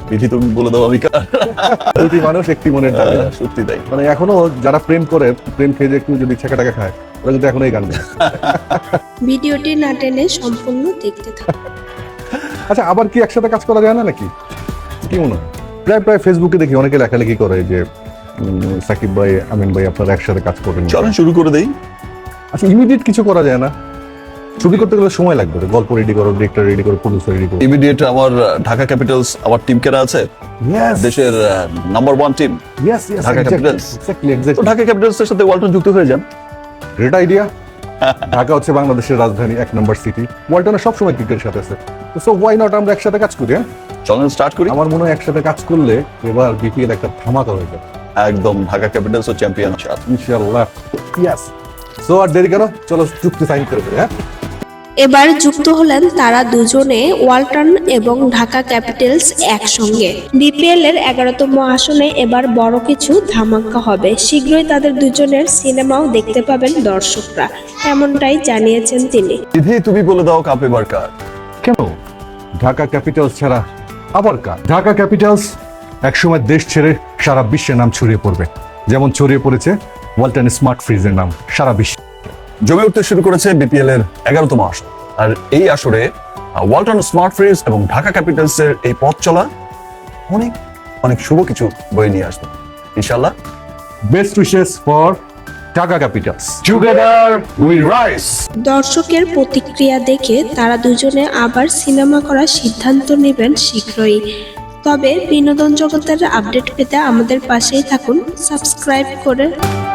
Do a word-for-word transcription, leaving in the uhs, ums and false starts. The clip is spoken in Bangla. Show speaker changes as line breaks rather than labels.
বিধি তুমি বলে দাও আমি কার।
দুটি মানুষ একটি মনের দাবি।
সত্যি তাই।
মানে এখনো যারা প্রেম করে, প্রেম খেয়ে যে একটু যদি ছেঁকা টাকা খায়, ওরা কিন্তু এখনো এই গান গায়।
ভিডিওটি না টেনে সম্পূর্ণ দেখতে থাকুন।
আচ্ছা, আবার কি একসাথে কাজ করা যায় না নাকি? কি মনে হয়? প্রায় প্রায় ফেসবুকে দেখি অনেকে লেখালেখি করে যে উম, সাকিব ভাই, আমিন ভাই আপনারা একসাথে কাজ করবেন।
চলেন শুরু করে দেই।
আচ্ছা, ইমিডিয়েট কিছু করা যায় না? ছবি করতে গেলে সময় লাগবে, গল্প রেডি করো, ডিরেক্টর রেডি করো, প্রডিউসার রেডি করো।
ইমিডিয়েট আমার ঢাকা ক্যাপিটালস আমার টিম কেনা আছে, দেশের number one team
yes yes,
Dhaka capitals.
Exactly
তো
এক্স্যাক্টলি।
ঢাকা ক্যাপিটালস এর সাথে ওয়ালটন যুক্ত হয়ে যান।
Great idea. ঢাকা হচ্ছে বাংলাদেশের রাজধানী, এক নম্বর সিটি। ওয়ালটনের সবসময় ক্রিকেটের সাথে আছে, সো ওয়াই নট আমরা একসাথে কাজ করি। হ্যাঁ,
চলেন স্টার্ট করি।
আমার মনে হয় একসাথে কাজ করলে এবার বিপিএল একটা ধামাকা হয়ে যাবে
একদম ঢাকা ক্যাপিটালস ও চ্যাম্পিয়ন আছে।
ইনশাআল্লাহ। ইয়েস। সো আর দেরি কেন, চলো চুক্তি সাইন করে ফেলি। হ্যাঁ,
এবার যুক্ত হলেন তারা দুজনে, ওয়ালটন এবং ঢাকা ক্যাপিটালস একসঙ্গে। বিপিএল এর এগারোতম আসনে এবার বড় কিছু ধামাকা হবে। শীঘ্রই তাদের দুজনের সিনেমাও দেখতে পাবেন দর্শকরা, এমনটাই জানিয়েছেন তিনি।
বিধি তুমি বলে দাও কাপ এবার কার।
কেন ঢাকা ক্যাপিটালস ছাড়া আবার কার? ঢাকা ক্যাপিটালস একসময় দেশ ছেড়ে সারা বিশ্বে নাম ছড়িয়ে পড়বে, যেমন ছড়িয়ে পড়েছে ওয়ালটন স্মার্ট ফ্রিজের নাম সারা বিশ্বে।
জমে উঠতে শুরু করেছে বিপিএল এর এগারোতম আসর, আর এই আসরে ওয়ালটন স্মার্ট ফ্রিজ এবং ঢাকা ক্যাপিটালস এর এই পথ চলা অনেক অনেক শুভ কিছু বয়ে নিয়ে আসবে ইনশাআল্লাহ।
Best wishes for Dhaka capitals.
Together we rise.
দর্শকের প্রতিক্রিয়া দেখে তারা দুজনে আবার সিনেমা করার সিদ্ধান্ত নেবেন শীঘ্রই। তবে বিনোদন জগতের আপডেট পেতে আমাদের পাশেই থাকুন সাবস্ক্রাইব করে।